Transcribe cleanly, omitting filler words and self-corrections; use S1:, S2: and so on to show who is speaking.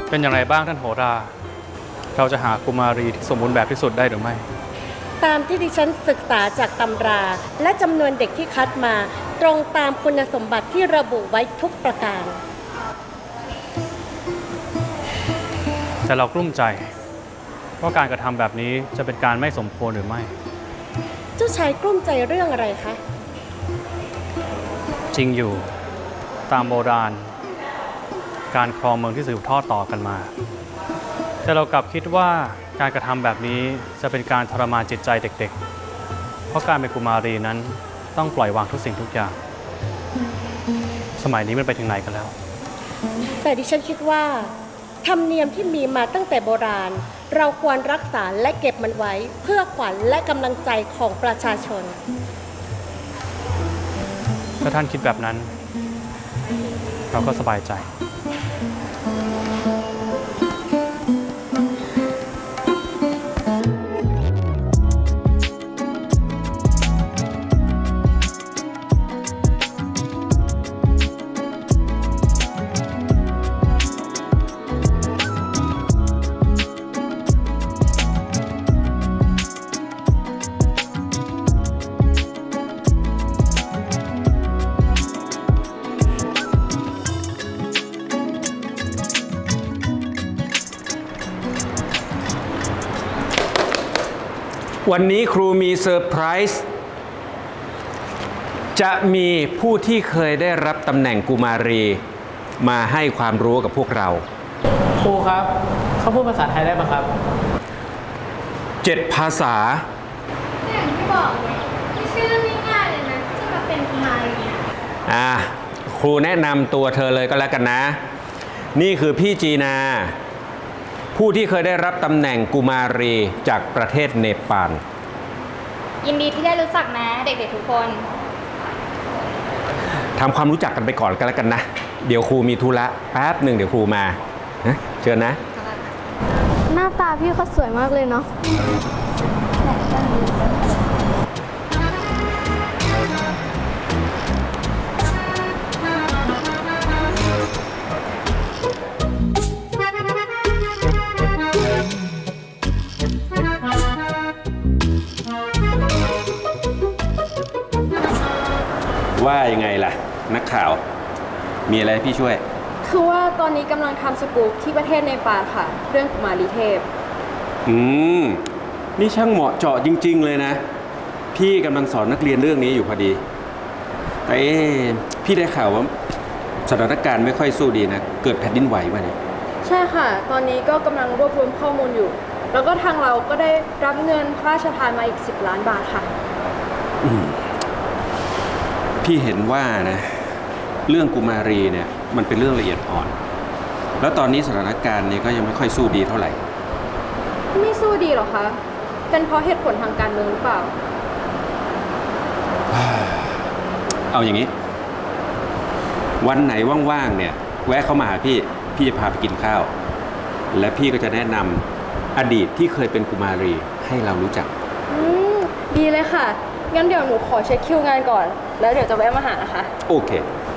S1: เป็นอย่างไรบ้างท่านโหรา เราจะหากุมารีที่สมบูรณ์แบบที่สุดได้หรือไม่
S2: ตามที่ดิฉันศึกษาจากตำรา และจำนวนเด็กที่คัดมา ตรงตามคุณสมบัติที่ระบุไว้ทุกประการ
S1: แต่เรากลุ้มใจว่าการกระทำแบบนี้จะเป็นการไม่สมควรหรือไม่
S2: เจ้าชายกลุ้มใจเรื่องอะไรคะ
S1: จริงอยู่ตามโบราณ การครองเมืองที่สืบทอดต่อกันมา แต่เรากลับคิดว่าการกระทำแบบนี้จะเป็นการทรมานจิตใจเด็กๆ เพราะการเป็นกุมารีนั้นต้องปล่อยวางทุกสิ่งทุกอย่าง สมัยนี้มันไปถึงไหนกันแล้ว
S2: แต่ดิฉันคิดว่าธรรมเนียมที่มีมาตั้งแต่โบราณ เราควรรักษาและเก็บมันไว้ เพื่อขวัญและกำลังใจของประชาชน
S1: ถ้าท่านคิดแบบนั้น เราก็สบายใจ
S3: วันนี้ครูมีเซอร์ไพรส์จะมีผู้ที่เคยได้รับตำแหน่งกุมารีมาให้ความรู้กับพวกเรา
S4: ครูครับเขาพูดภาษาไทยได้ไหมครับ
S3: 7 ภาษา
S5: อย่างที่บอกเลยไม่ใช่เรื่องง่ายๆเลยนะที่จะมาเป็นกุมารเนี่ย
S3: ครูแนะนำตัวเธอเลยก็แล้วกันนะ นี่คือพี่จีนา ผู้ที่เคยได้รับตำแหน่งกุมารีจากประเทศเนปาล
S5: ยินดีที่ได้รู้จักนะเด็กๆทุกคน
S3: ทำความรู้จักกันไปก่อนก็แล้วกันนะ เดี๋ยวครูมีธุระแป๊บหนึ่งเดี๋ยวครูมาเชิญนะ
S6: หน้าตาพี่เขาสวยมากเลยเนาะ
S3: ว่ายังไงล่ะ นักข่าว มีอะไรให้พี่ช่วย
S7: คือว่าตอนนี้กำลังทำสกู๊ปที่ประเทศเนปาลค่ะ เรื่องกุมารีเทพ
S3: นี่ช่างเหมาะเจาะจริง ๆ เลยนะ พี่กำลังสอนนักเรียนเรื่องนี้อยู่พอดี แต่พี่ได้ข่าวว่าสถานการณ์ไม่ค่อยสู้ดีนะ เกิดแผ่นดินไหวมาเนี่ย
S7: ใช่ค่ะ ตอนนี้ก็กำลังรวบรวมข้อมูลอยู่ แล้วก็ทางเราก็ได้รับเงินพระราชทานมาอีก10 ล้านบาทค่ะ
S3: พี่เห็นว่านะเรื่องกุมารีเนี่ยมันเป็นเรื่องละเอียดอ่อน แล้วตอนนี้สถานการณ์เนี่ยก็ยังไม่ค่อยสู้ดีเท่าไหร่
S7: ไม่สู้ดีหรอคะ เป็นเพราะเหตุผลทางการเมืองหรือเปล่า
S3: เอาอย่างนี้ วันไหนว่างๆเนี่ยแวะเข้ามาหาพี่จะพาไปกินข้าว และพี่ก็จะแนะนำอดีตที่เคยเป็นกุมารีให้เรารู้จัก
S7: ดีเลยค่ะ งั้นเดี๋ยวหนูขอเช็คคิวงานก่อน แล้วเดี๋ยวจะแวะมาหานะคะ
S3: โอเค